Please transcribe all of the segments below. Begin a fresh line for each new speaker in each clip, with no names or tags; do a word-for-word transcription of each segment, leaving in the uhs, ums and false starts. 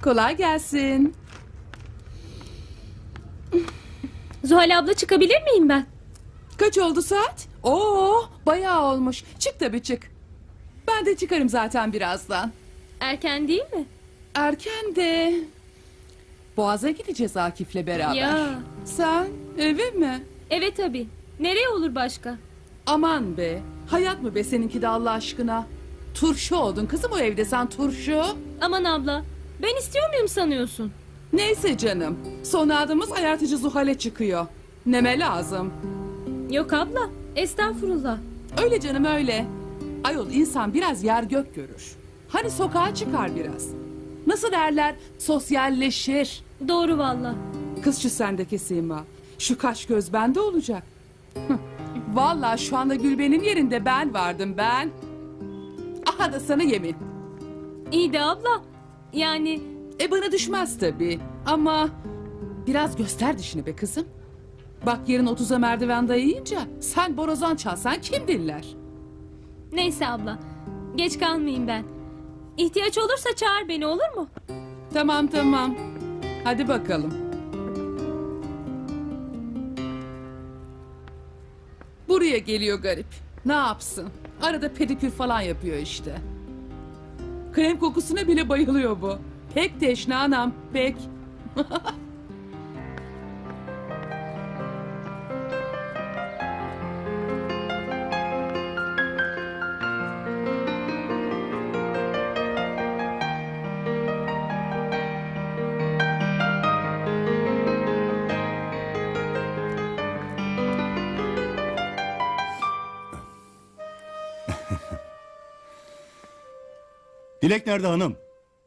Kolay gelsin.
Zuhal abla çıkabilir miyim ben?
Kaç oldu saat? Oo, bayağı olmuş. Çık tabii çık. Ben de çıkarım zaten birazdan.
Erken değil mi?
Erken de. Boğaz'a gideceğiz Akif'le beraber.
Ya.
Sen eve mi?
Evet tabii. Nereye olur başka?
Aman be. Hayat mı be seninki de Allah aşkına? Turşu oldun kızım o evde sen turşu.
Aman abla. Ben istiyor muyum sanıyorsun?
Neyse canım. Son adımız ayartıcı Zuhal'e çıkıyor. Neme lazım.
Yok abla. Estağfurullah.
Öyle canım öyle. Ayol insan biraz yer gök görür. Hani sokağa çıkar biraz. Nasıl derler? Sosyalleşir.
Doğru valla.
Kız şu sendeki Sima. Şu kaş göz bende olacak. Hıh. Vallahi şu anda Gülben'in yerinde ben vardım ben. Aha da sana yemin.
İyi de abla. Yani
E bana düşmez tabii. Ama biraz göster dişini be kızım. Bak yarın otuza merdiven dayayınca sen borazan çalsan kim dinler?
neyse abla. Geç kalmayayım ben. İhtiyaç olursa çağır beni olur mu?
Tamam tamam. Hadi bakalım. Buraya geliyor garip. Ne yapsın? Arada pedikür falan yapıyor işte. Krem kokusuna bile bayılıyor bu. Pek teşne anam, pek.
Dilek nerede hanım?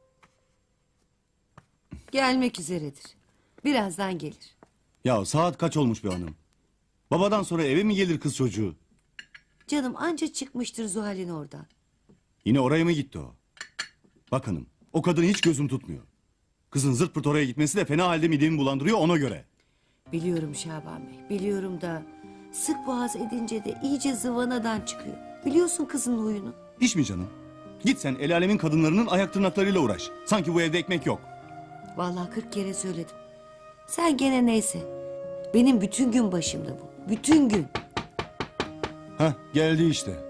Gelmek üzeredir. Birazdan gelir.
Ya saat kaç olmuş be hanım? Babadan sonra eve mi gelir kız çocuğu?
Canım anca çıkmıştır Zuhal'in oradan.
Yine oraya mı gitti o? Bak hanım, o kadını hiç gözüm tutmuyor. Kızın zırt pırt oraya gitmesi de fena halde midemi bulandırıyor ona göre.
Biliyorum Şaban Bey, biliyorum da... ...sık boğaz edince de iyice zıvanadan çıkıyor. Biliyorsun kızın huyunu.
İş mi canım? Git sen el alemin kadınlarının ayak tırnaklarıyla uğraş. Sanki bu evde ekmek yok.
Vallahi kırk kere söyledim. Sen gene neyse. Benim bütün gün başımda bu. Bütün gün.
Hah geldi işte.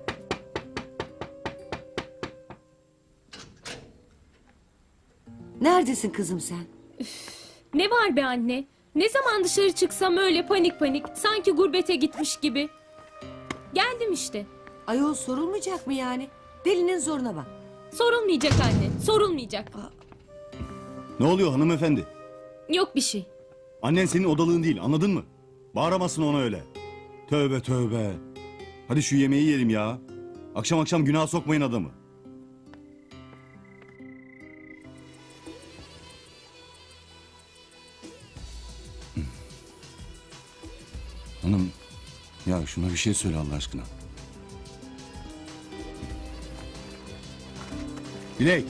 Neredesin kızım sen?
Ne var be anne? Ne zaman dışarı çıksam öyle panik panik. Sanki gurbete gitmiş gibi. Geldim işte.
Ayol sorulmayacak mı yani? Delinin zoruna bak.
Sorulmayacak anne. Sorulmayacak.
Ne oluyor hanımefendi?
Yok bir şey.
Annen senin odalığın değil anladın mı? Bağıramazsın ona öyle. Tövbe tövbe. Hadi şu yemeği yiyelim ya. Akşam akşam günaha sokmayın adamı. Hanım ya şuna bir şey söyle Allah aşkına. Dilek.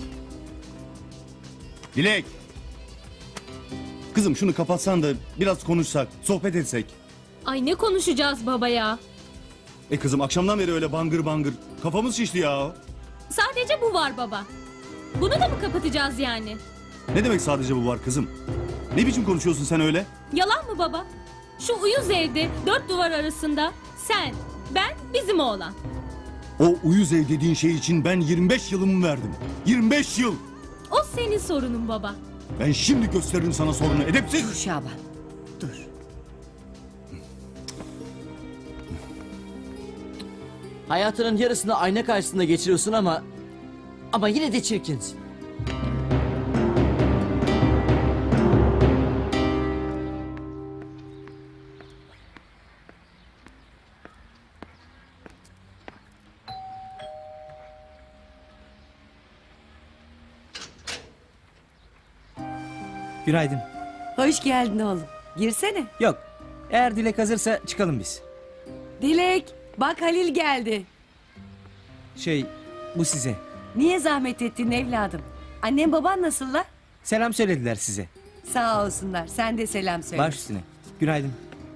Dilek. Kızım şunu kapatsan da biraz konuşsak, sohbet etsek.
Ay ne konuşacağız baba ya?
E kızım akşamdan beri öyle bangır bangır. Kafamız şişti ya.
Sadece bu var baba. Bunu da mı kapatacağız yani?
Ne demek sadece bu var kızım? Ne biçim konuşuyorsun sen öyle?
Yalan mı baba? Şu uyuz evde dört duvar arasında sen, ben, bizim oğlan.
O uyuz ev dediğin şey için ben yirmi beş yılımı verdim. yirmi beş yıl.
O senin sorunun baba.
Ben şimdi gösteririm sana sorunu
Dur
edepsiz.
Şaban. Dur.
Hayatının yarısını ayna karşısında geçiriyorsun ama... Ama yine de çirkinsin.
Günaydın.
Hoş geldin oğlum. Girsene.
Yok. Eğer Dilek hazırsa çıkalım biz.
Dilek. Bak Halil geldi.
Şey, bu size.
Niye zahmet ettin evladım? Annem baban nasıllar?
Selam söylediler size.
Sağ olsunlar. Sen de selam söyle.
Baş üstüne. Günaydın.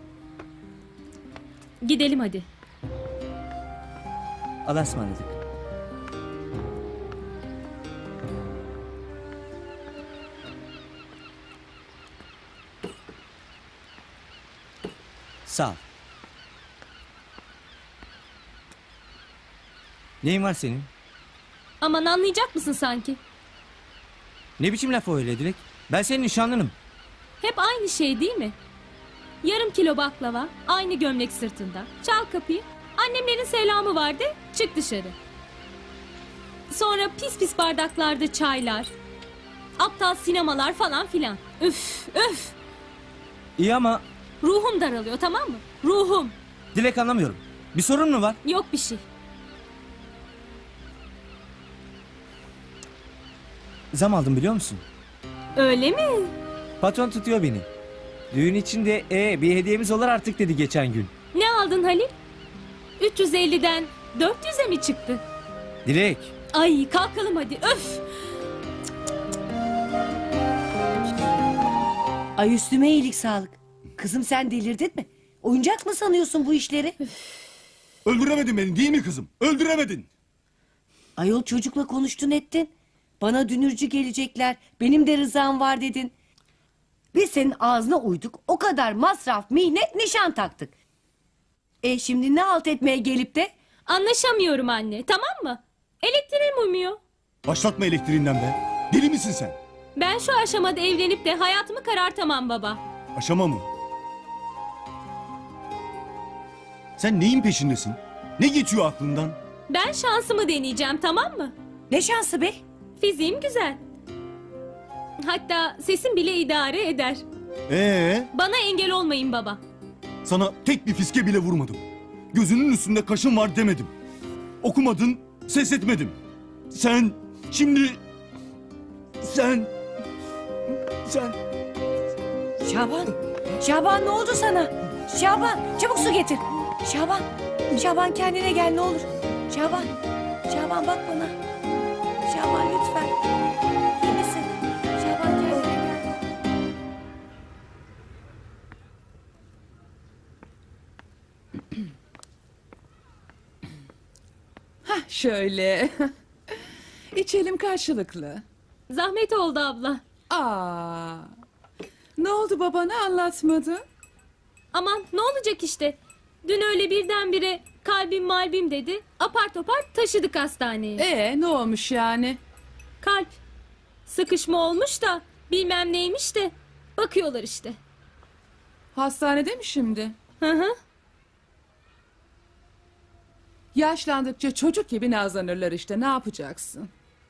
Gidelim hadi.
Allah'a ısmarladık. Sağ ol. Neyin var senin?
Aman anlayacak mısın sanki?
Ne biçim laf o öyle Dilek? Ben senin nişanlınım.
Hep aynı şey değil mi? Yarım kilo baklava, aynı gömlek sırtında. Çal kapıyı. Annemlerin selamı vardı, çık dışarı. Sonra pis pis bardaklarda çaylar. Aptal sinemalar falan filan. Üf, üf.
İyi ama
Ruhum daralıyor, tamam mı? Ruhum.
Dilek anlamıyorum. Bir sorun mu var?
Yok bir şey.
Zam aldım biliyor musun?
Öyle mi?
Patron tutuyor beni. Düğün için de e, bir hediyemiz olur artık dedi geçen gün.
Ne aldın Halil? üç yüz elliden dört yüze mi çıktı?
Dilek.
Ay kalkalım hadi, öf.
Ay üstüme iyilik sağlık. Kızım sen delirdin mi? Oyuncak mı sanıyorsun bu işleri?
Öldüremedin beni değil mi kızım? Öldüremedin.
Ayol çocukla konuştun ettin. Bana dünürcü gelecekler. Benim de rızam var dedin. Biz senin ağzına uyduk. O kadar masraf, mihnet, nişan taktık. E şimdi ne halt etmeye gelip de?
Anlaşamıyorum anne, tamam mı? Elektriğim uymuyor.
Başlatma elektriğinden be. Deli misin sen?
Ben şu aşamada evlenip de hayatımı karartamam baba.
Aşama mı? Sen neyin peşindesin? Ne geçiyor aklından?
Ben şansımı deneyeceğim, tamam mı?
Ne şansı be?
Fiziğim güzel. Hatta sesim bile idare eder.
Ee,
Bana engel olmayın baba.
sana tek bir fiske bile vurmadım. Gözünün üstünde kaşın var demedim. Okumadın, ses etmedim. Sen şimdi... Sen... Sen...
Şaban. Şaban ne oldu sana? Şaban çabuk su getir. Şaban. Şaban kendine gel ne olur. Şaban. Şaban bak bana. Şaban lütfen. İyi misin? Şaban kendine gel.
Hah şöyle. İçelim karşılıklı.
Zahmet oldu abla.
Aa. Ne oldu babana anlatmadı?
Aman ne olacak işte. Dün öyle birdenbire kalbim malbim dedi. Apar topar taşıdık hastaneye.
Ee ne olmuş yani?
Kalp. Sıkışma olmuş da bilmem neymiş de. Bakıyorlar işte.
Hastanede mi şimdi?
Hı hı.
Yaşlandıkça çocuk gibi nazlanırlar işte, ne yapacaksın?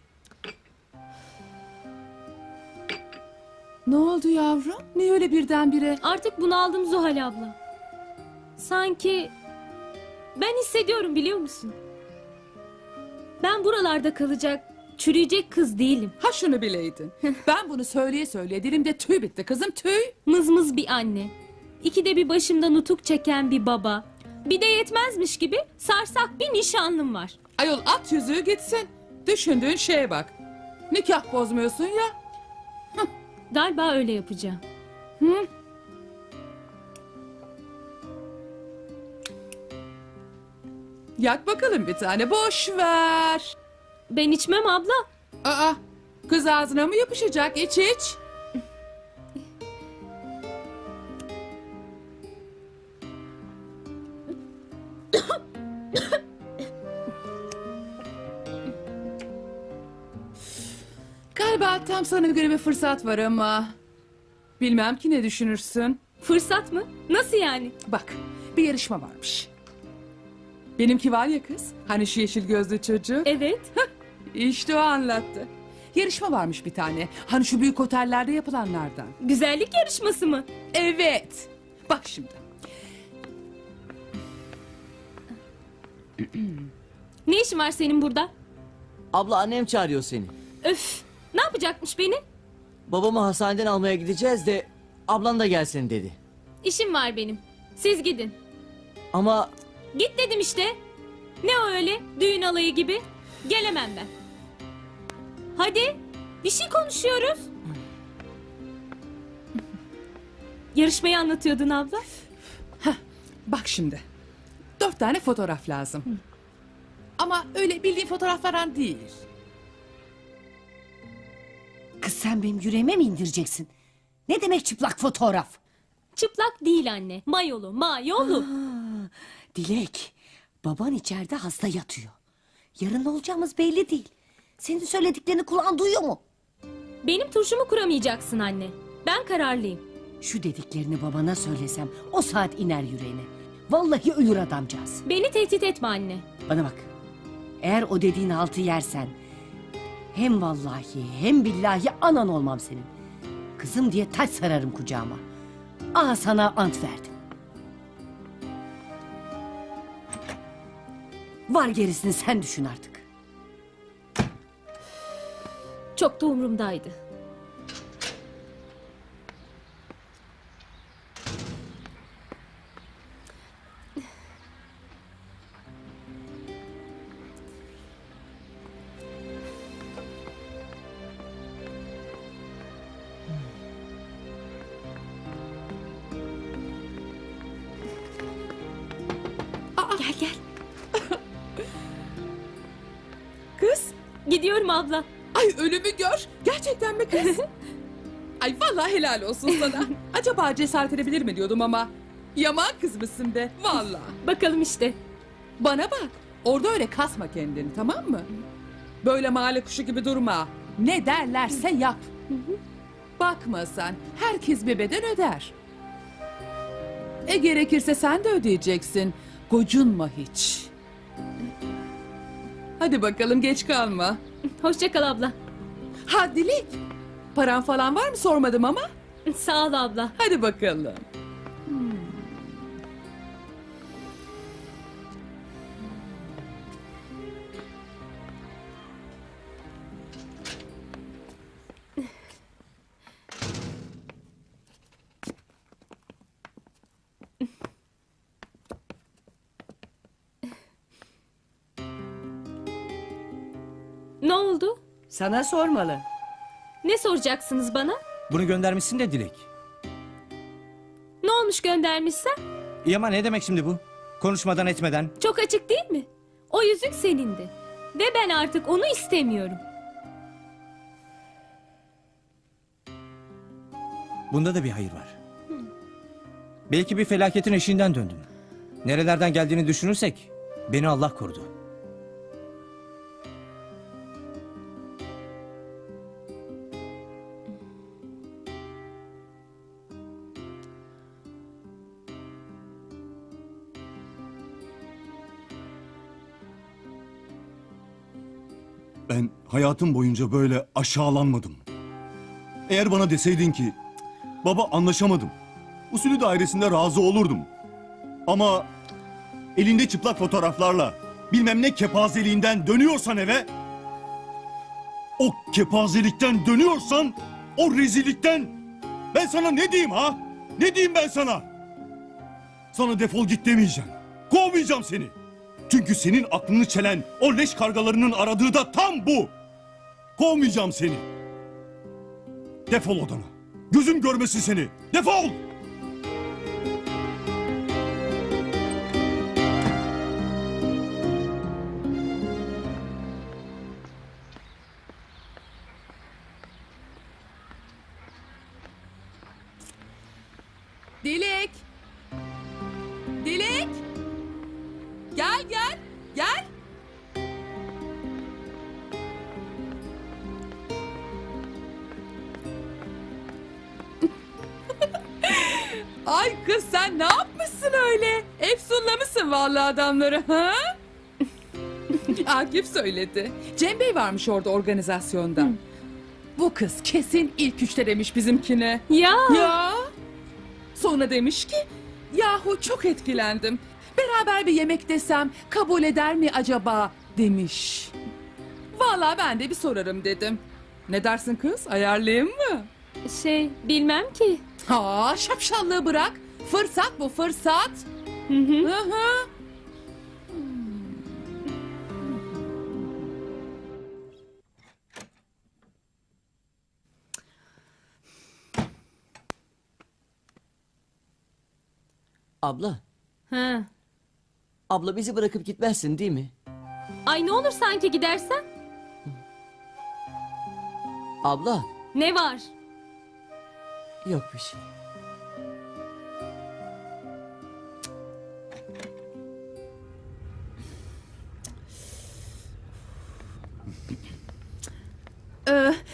Ne oldu yavrum? Niye öyle birdenbire?
Artık bunaldım Zuhal abla. Sanki ben hissediyorum biliyor musun? Ben buralarda kalacak, çürüyecek kız değilim.
Ha şunu bileydin. Ben bunu söyleye söyleye dilimde tüy bitti kızım, tüy.
Mızmız bir anne. İkide bir başımda nutuk çeken bir baba. Bir de yetmezmiş gibi sarsak bir nişanlım var.
Ayol at yüzüğü gitsin. Düşündüğün şeye bak. Nikah bozmuyorsun ya.
Galiba öyle yapacağım.
Hı? Yak bakalım bir tane, boş ver.
Ben içmem abla.
Aa, kız ağzına mı yapışacak? İç iç. Galiba tam sana göre bir fırsat var ama... Bilmem ki ne düşünürsün.
Fırsat mı? Nasıl yani?
Bak, bir yarışma varmış. Benimki var ya kız, hani şu yeşil gözlü çocuk.
Evet.
İşte o anlattı. Yarışma varmış bir tane. Hani şu büyük otellerde yapılanlardan.
Güzellik yarışması mı?
Evet. Bak şimdi.
Ne işin var senin burada?
Abla annem çağırıyor seni.
Öf. Ne yapacakmış beni?
Babamı hastaneden almaya gideceğiz de ablan da gelsin dedi.
İşim var benim. Siz gidin.
Ama
Git dedim işte. Ne o öyle? Düğün alayı gibi. Gelemem ben. Hadi. Bir şey konuşuyoruz. Yarışmayı anlatıyordun abla.
Bak şimdi. Dört tane fotoğraf lazım. Ama öyle bildiğin fotoğraflardan değil.
Kız sen benim yüreğime mi indireceksin? Ne demek çıplak fotoğraf?
çıplak değil anne. Mayolu, mayolu.
Aa, Dilek, baban içeride hasta yatıyor. Yarın ne olacağımız belli değil. Senin söylediklerini kulağın duyuyor mu?
Benim turşumu kuramayacaksın anne. Ben kararlıyım.
Şu dediklerini babana söylesem o saat iner yüreğine. Vallahi ölür adamcağız.
Beni tehdit etme anne.
Bana bak. Eğer o dediğin altı yersen hem vallahi hem billahi anan olmam senin. Kızım diye taç sararım kucağıma. Aha sana ant verdim. Var gerisini sen düşün artık.
Çok da umurumdaydı. Gel gel.
Kız.
Gidiyorum abla.
Ay ölümü gör. Gerçekten mi kız? Ay vallahi helal olsun sana. Acaba cesaret edebilir mi diyordum ama. Yaman kız mısın be vallahi.
Bakalım işte.
Bana bak. Orada öyle kasma kendini tamam mı? Böyle mahalle kuşu gibi durma. Ne derlerse yap. Bakma sen. Herkes bir beden öder. E gerekirse sen de ödeyeceksin. Gocunma hiç. Hadi bakalım geç kalma.
Hoşça kal abla.
Ha Dilek. Paran falan var mı sormadım ama.
Sağ ol abla.
Hadi bakalım.
Ne oldu?
Sana sormalı.
Ne soracaksınız bana?
Bunu göndermişsin de Dilek.
Ne olmuş göndermişsen?
İyi ama ne demek şimdi bu? Konuşmadan etmeden.
Çok açık değil mi? O yüzük senindi. Ve ben artık onu istemiyorum.
Bunda da bir hayır var. Belki bir felaketin eşiğinden döndüm. Nerelerden geldiğini düşünürsek beni Allah korudu.
Ben hayatım boyunca böyle aşağılanmadım. Eğer bana deseydin ki baba anlaşamadım. Usulü dairesinde razı olurdum. Ama elinde çıplak fotoğraflarla bilmem ne kepazeliğinden dönüyorsan eve, o kepazelikten dönüyorsan, o rezillikten ben sana ne diyeyim ha? Ne diyeyim ben sana? Sana defol git demeyeceğim. Kovmayacağım seni. Çünkü senin aklını çelen o leş kargalarının aradığı da tam bu. Kovmayacağım seni. Defol odana. Gözüm görmesin seni. Defol!
Dilek. Dilek. Gel gel. Gel. Ay kız sen ne yapmışsın öyle? Efsunlamışsın vallahi adamları ha? Akif söyledi. Cem Bey varmış orada organizasyonda. Bu kız kesin ilk üçte demiş bizimkine.
Ya.
Ya. Sonra demiş ki yahu çok etkilendim. Beraber bir yemek desem kabul eder mi acaba demiş. Vallahi ben de bir sorarım dedim. Ne dersin kız ayarlayayım mı?
Şey bilmem ki.
Ha şapşallığı bırak. Fırsat bu fırsat.
Hı hı.
Hı hı.
Abla,
Ha.
abla bizi bırakıp gitmezsin değil mi?
Ay ne olur sanki gidersen?
Abla,
Ne var?
yok bir şey.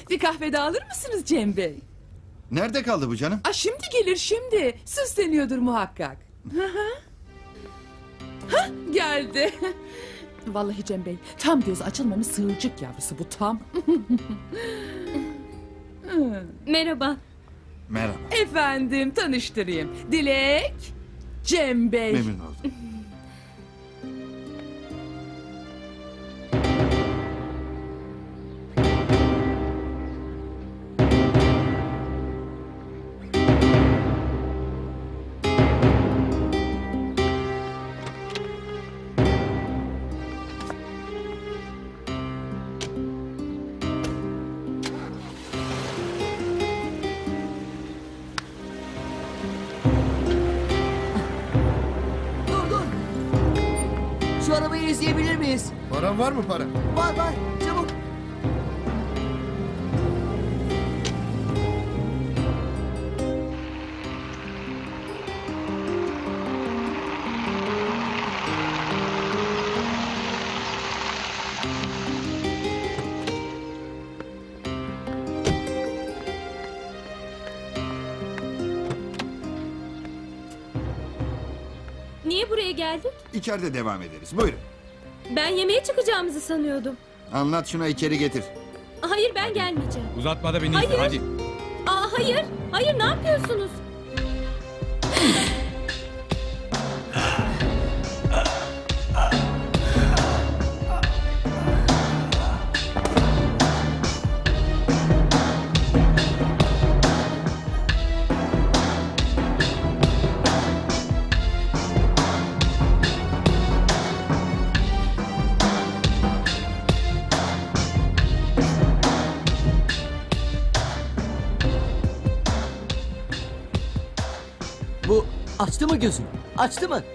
Bir kahve daha alır mısınız Cem Bey?
Nerede kaldı bu canım?
Aa, şimdi gelir şimdi. Süsleniyordur muhakkak. Hı hı. Hah, geldi. Vallahi Cem Bey, tam göz açılmamış sığırcık yavrusu bu tam.
Merhaba.
Merhaba.
Efendim, tanıştırayım. Dilek, Cem Bey.
Memnun oldum.
Dur dur. Şu arabayı izleyebilir miyiz?
Paran var mı para?
Var var çabuk.
Niye buraya geldik?
İçeride devam ederiz. Buyurun.
Ben yemeğe çıkacağımızı sanıyordum.
Anlat şuna içeri getir.
Hayır ben gelmeyeceğim.
Uzatma da beni
Hayır.
izle hadi.
Aa, hayır. Hayır ne yapıyorsunuz?
Bu açtı mı gözünü? Açtı mı?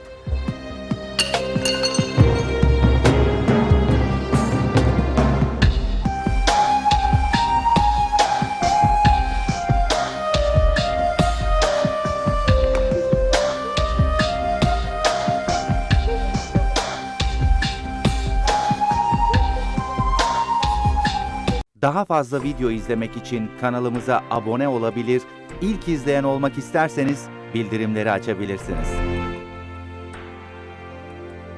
Daha fazla video izlemek için kanalımıza abone olabilir, ilk izleyen olmak isterseniz bildirimleri açabilirsiniz.